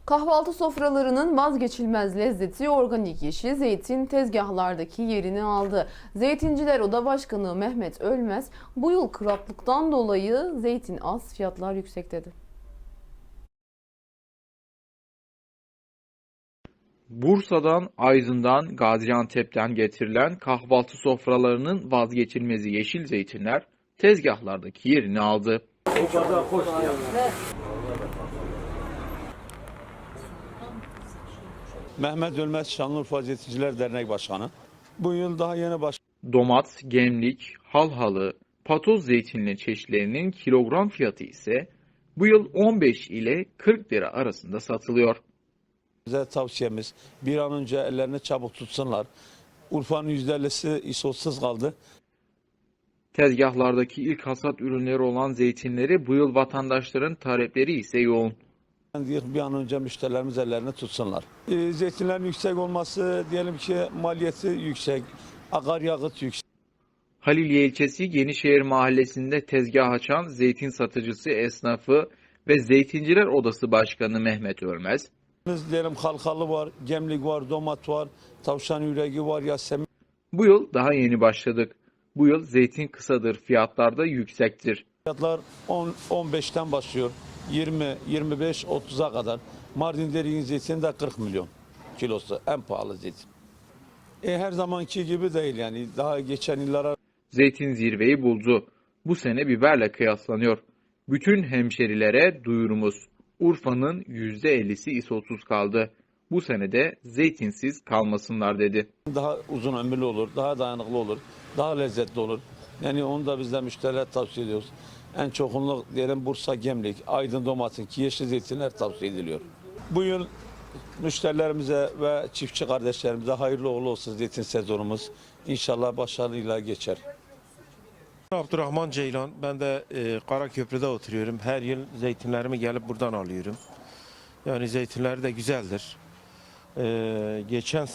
Kahvaltı sofralarının vazgeçilmez lezzeti organik yeşil zeytin tezgahlardaki yerini aldı. Zeytinciler Oda Başkanı Mehmet Ölmez, bu yıl kuraklıktan dolayı zeytin az, fiyatlar yüksek dedi. Bursa'dan, Aydın'dan, Gaziantep'ten getirilen kahvaltı sofralarının vazgeçilmezi yeşil zeytinler tezgahlardaki yerini aldı. Mehmet Ölmez Şanlıurfa Zeytinciler Dernek Başkanı. Bu yıl daha yeni Domat, gemlik, halhalı, patoz zeytinli çeşitlerinin kilogram fiyatı ise bu yıl 15 ile 40 lira arasında satılıyor. bize tavsiyemiz bir an önce ellerini çabuk tutsunlar. Urfa'nın %50'si isotsuz kaldı. Tezgahlardaki ilk hasat ürünleri olan zeytinleri bu yıl vatandaşların talepleri ise yoğun. Bir an önce müşterilerimiz ellerini tutsunlar. Zeytinlerin yüksek olması diyelim ki maliyeti yüksek, akaryakıt yüksek. Haliliye ilçesi Yenişehir mahallesinde tezgah açan zeytin satıcısı esnafı ve Zeytinciler Odası Başkanı Mehmet Ölmez, Diyelim halkalı var, gemlik var, domat var, tavşan yüreği var, yasemin. bu yıl daha yeni başladık. Bu yıl zeytin kısadır, fiyatlar da yüksektir. Fiyatlar 15'ten başlıyor. 20, 25, 30'a kadar. Mardin Deriğin zeytini de 40 milyon kilosu. En pahalı zeytin. Her zamanki gibi değil yani. Daha geçen yıllara Zeytin zirveyi buldu. Bu sene biberle kıyaslanıyor. Bütün hemşerilere duyurumuz. Urfa'nın %50'si isotsuz kaldı. Bu sene de zeytinsiz kalmasınlar dedi. daha uzun ömürlü olur, daha dayanıklı olur, daha lezzetli olur. Yani onu da biz de müşterilere tavsiye ediyoruz. En çoğunluk diyelim Bursa Gemlik, Aydın Domat'ın ki yeşil zeytinler tavsiye ediliyor. Bu yıl müşterilerimize ve çiftçi kardeşlerimize hayırlı uğurlu olsun zeytin sezonumuz. İnşallah başarıyla geçer. Abdurrahman Ceylan, ben de Karaköprü'de oturuyorum. Her yıl zeytinlerimi gelip buradan alıyorum. Yani zeytinleri de güzeldir. Geçen